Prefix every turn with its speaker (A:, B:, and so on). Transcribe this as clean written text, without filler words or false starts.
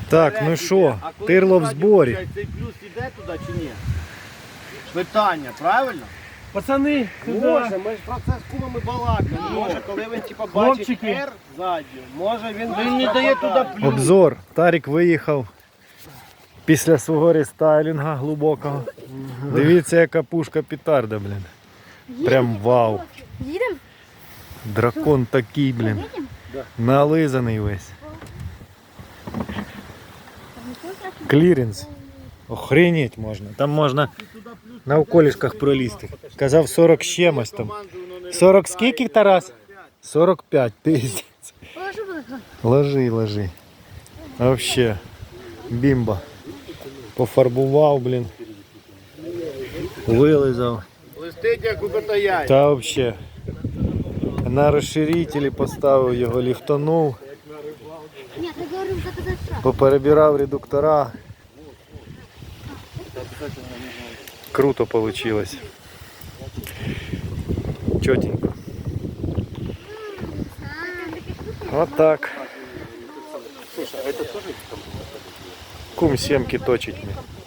A: Так, ну що, тирло в зборі.
B: Цей плюс іде туди чи ні? Питання, правильно?
C: Пацани, сюди.
B: Може, ми ж про це з кумами балакали. Може, коли він типа бачить
C: Хлопчики.
B: R ззаді, може він не дає туди плюс.
A: Обзор. Тарік виїхав після свого рестайлінга глибокого. Дивіться, яка пушка петарда, блін. Прям вау.
D: Їдемо?
A: Дракон такий, блін. Нализаний весь. Кліренс. Охренеть можна. Там можна на околішках пролізти. Казав 40 з чимось там. 40 скільки, Тарас? 45, пиздець.
D: Положу буде.
A: Ложи, ложи. Вообще, бімба. Пофарбував, блін. Вилизав.
B: Листить як у котаяй.
A: Та вообще. На розширителі поставив його, ліфтанув.
D: Ні, я говорю, заказати штраф.
A: Поперебирав редуктора. Круто получилось. Чотенько. Вот так. Кум семки точить мне.